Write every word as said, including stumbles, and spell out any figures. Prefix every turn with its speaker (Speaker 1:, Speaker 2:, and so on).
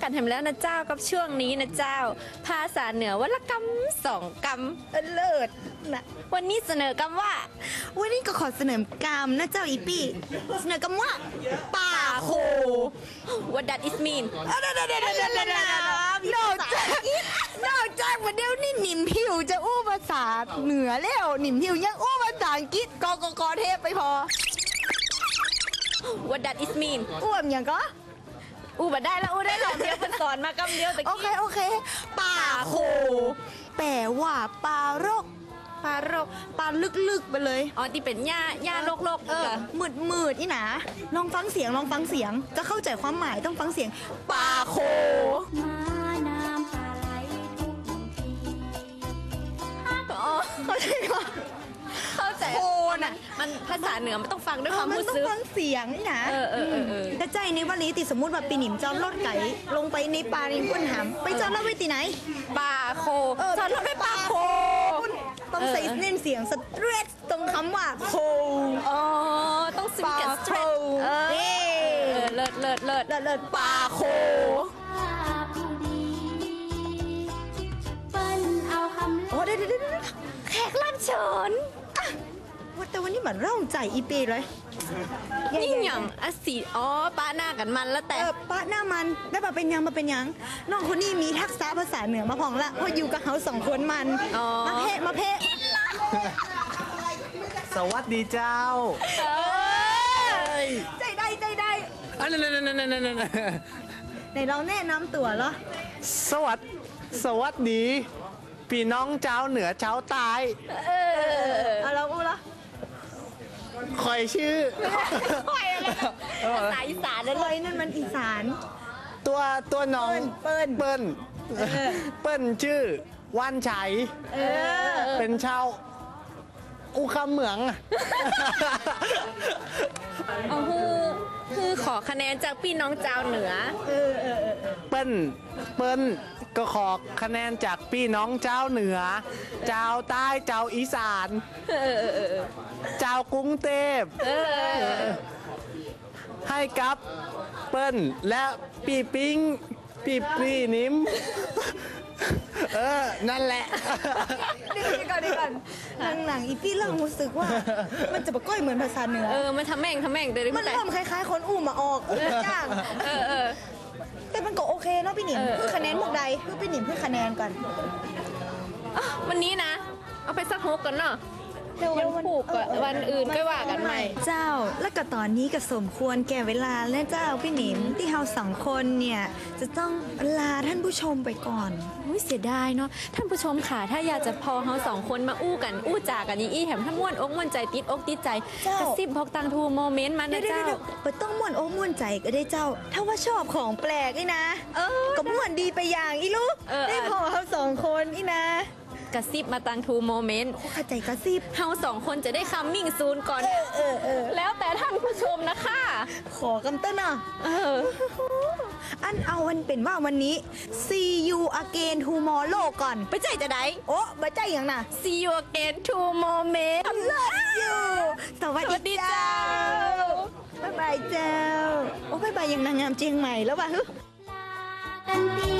Speaker 1: กันแถมแล้วนะเจ้ากับช่วงนี้นะเจ้าภาษาเหนือวรรณกรรมสองกรรมเลิศนะวันนี้เสนอกรรมว่า
Speaker 2: วันนี้ก็ขอเสนอกรรมนะเจ้าอีปี้เสนอกรรมว่าป่าโค
Speaker 1: What that is mean
Speaker 2: เดี๋ยวเดี๋ยวเดี๋ยวเดี๋ยวเดี๋ยว นอกจากนอกจากวันเดียวนี่หนิมพิวจะอู้ภาษาเหนือแล้วหนิมพิวยังอู้ภาษาอังกฤษกกกเทพไปพอ
Speaker 1: What that is mean
Speaker 2: อ้วมอย่างก็
Speaker 1: อู้บัดได้แล้วอู้ได้หรอกเดียวเป็นสอนมากำเดียวตะ
Speaker 2: โอ
Speaker 1: กี้
Speaker 2: เคโอเคป่าโคแปลว่าปลารก
Speaker 1: ปลารก
Speaker 2: ปลาลึกๆไปเลย
Speaker 1: อ๋อที่เป็นหญ้าหญ้าโลกโลก
Speaker 2: เออมืดมืดนี่นะลองฟังเสียงลองฟังเสียงจะเข้าใจความหมายต้องฟังเสียงป่าโค
Speaker 3: มาน้ำปลาไหลทุกที
Speaker 1: อ๋อ
Speaker 2: เข้าใจไหม
Speaker 1: เข้าใจ
Speaker 2: โคน่ะ
Speaker 1: มันภาษาเหนือมันต้องฟังด้วย
Speaker 2: เอ
Speaker 1: ค
Speaker 2: อ
Speaker 1: วาม
Speaker 2: มัน
Speaker 1: รู้
Speaker 2: ต้อง
Speaker 1: สึก
Speaker 2: ฟังเสียงนี่นะ
Speaker 1: เออเออเออเออ
Speaker 2: แต่ใจในวันนี้ติสมมติว่าปีหนิมเจ้ารถไก่ลงไปในป่าในก้นหามไปเจ้าเล่าไว้ที่ไหน
Speaker 1: ปลาโค
Speaker 2: เออ
Speaker 1: จอดรถไปปลาโค
Speaker 2: ต้องใส่เน้นเสียงสเตรทตรงคำว่าโค
Speaker 1: อ๋อต้องซิงกับสเตรทเออ
Speaker 2: เย้
Speaker 1: เออเลิศเลิศเลิศ
Speaker 2: เลิศเลิศป่าโค
Speaker 3: ภาพผู้ดีเปิ้นเอาคำ
Speaker 2: โอ้เดี๋ยวเดี๋ยวเดี๋ยว
Speaker 1: แขกรับเชิญ
Speaker 2: ว่าแต่วันนี้เหมือนเร่าใจอีปีเลย
Speaker 1: นี่อย่างอะสีอ๋อป้าหน้ากันมันแล้วแต่
Speaker 2: เออป้าหน้ามันได้ป่ะเป็นยังมาเป็นยังน้องคนนี้มีทักษะภาษาเหนือมาพองละเพราะอยู่กับเขาสองคนมัน
Speaker 1: อ๋อ
Speaker 2: มาเพะมาเพะ
Speaker 4: สวัสดีเจ้า
Speaker 1: เออ
Speaker 2: ใจได้ใจได้
Speaker 4: อันนั้นนั่นนั่นนั่นนั่น
Speaker 2: ไหนเราแนะนำตัวเหรอ
Speaker 4: สวัสดสวัสดีพี่น้องเจ้าเหนือเจ้าใต้
Speaker 1: เออ
Speaker 2: เอาเราอู้ละ
Speaker 4: คอยชื่อ
Speaker 1: ปล่อยอะไรนะภาษาอีสานนั่น
Speaker 2: เล
Speaker 1: เลย
Speaker 2: ยนั่นมันอีสาน
Speaker 4: ตัวตัวน้อง
Speaker 2: เปิ้ล
Speaker 4: เปิ้ลเปิ้ลชื่อว่านชัย
Speaker 2: เออ
Speaker 4: เป็นชาวอูคำเหมือง
Speaker 1: เอาคือคือขอคะแนนจากพี่น้องเจ้าเหนือ
Speaker 2: เออเออเออ
Speaker 4: เปิ้ลเปิ้ลก็ขอคะแนนจากพี่น้องเจ้าเหนือ เจ้าใต้เจ้าอีสาน
Speaker 1: เออเออเออ
Speaker 4: เจ้ากรุงเทพ
Speaker 1: เออ
Speaker 4: ให้กับเปิ้ลและปีปิ้งปีปีนิ้ม เออ นั่นแหละ
Speaker 2: เดี๋ยวก่อนเดี๋ยวก่อนหลังหลังอีพี่เริ่มรู้สึกว่า มันจะบะก้อยเหมือนภาษาเหนือ
Speaker 1: เออมันทำแม่งทำแม่งเดี๋ยว
Speaker 2: มัน
Speaker 1: แต่
Speaker 2: เริ่มคล้ายๆ คนอู้มาออกจ้าง
Speaker 1: เออเออ
Speaker 2: แต่มันก็โอเคเนาะพี่หนิม
Speaker 1: เออ
Speaker 2: เพื่อคะแนนพวกใดเพื่อพี่หนิมเพื่อคะแนนก่อน
Speaker 1: อ่ะวันนี้นะ เอาไปสักฮกกันเนาะ
Speaker 2: เดี๋ยว
Speaker 1: วันผูกก่อนวันอื่นก็ว่ากันใหม่
Speaker 2: เจ้าแล้วก็ตอนนี้ก็สมควรแก่เวลาแล้วเจ้าพี่หนิมที่เราสองคนเนี่ยจะต้องลาท่านผู้ชมไปก่อน
Speaker 1: อุ้ยเสียดายเนาะท่านผู้ชมค่ะถ้าอยากจะพอเฮาสองคนมาอู้กัน อู้จากันอีอี้แถมถ้าม่วนอกม่วนใจติดอกติดใจ
Speaker 2: เจ้าก
Speaker 1: ระซิบบอกตังทูโมเมนต์มา
Speaker 2: เดี๋ย
Speaker 1: นะ
Speaker 2: วเดี๋ยว
Speaker 1: เจ้า
Speaker 2: เดี๋ยวไปต้องม่วนโอ้ม่วนใจก็ได้เจ้า ถ้าว่าชอบของแปลกนี่นะ
Speaker 1: เออ
Speaker 2: ก็ม่วนดีไปอย่างอีลูก
Speaker 1: เออ
Speaker 2: ได้พอเราสองคนอีนะ
Speaker 1: กระซิบมาตังทูโมเมนต์
Speaker 2: เข้าใจกระซิบ
Speaker 1: เฮาสองคนจะได้คัมมิ่งซูนก่อน
Speaker 2: เออเออเออ
Speaker 1: แล้วแต่ท่านผู้ชมนะคะ
Speaker 2: ขอกำเต้นอ่ะ
Speaker 1: เออ
Speaker 2: อันเอาวันเป็นว่าวันนี้ see you again tomorrow ก่อน
Speaker 1: ไปใจจะได้
Speaker 2: โอ้บ่ใจอย่างน่ะ
Speaker 1: see you again tomorrow
Speaker 2: love you สวัส
Speaker 1: สวัสดี
Speaker 2: ดี
Speaker 1: เจ้า
Speaker 2: เจ้าบ๊ายบายเจ้า โอ้บ๊ายบายยังนางงามเจียงใหม่แล้วว่ะฮึ
Speaker 3: กันตี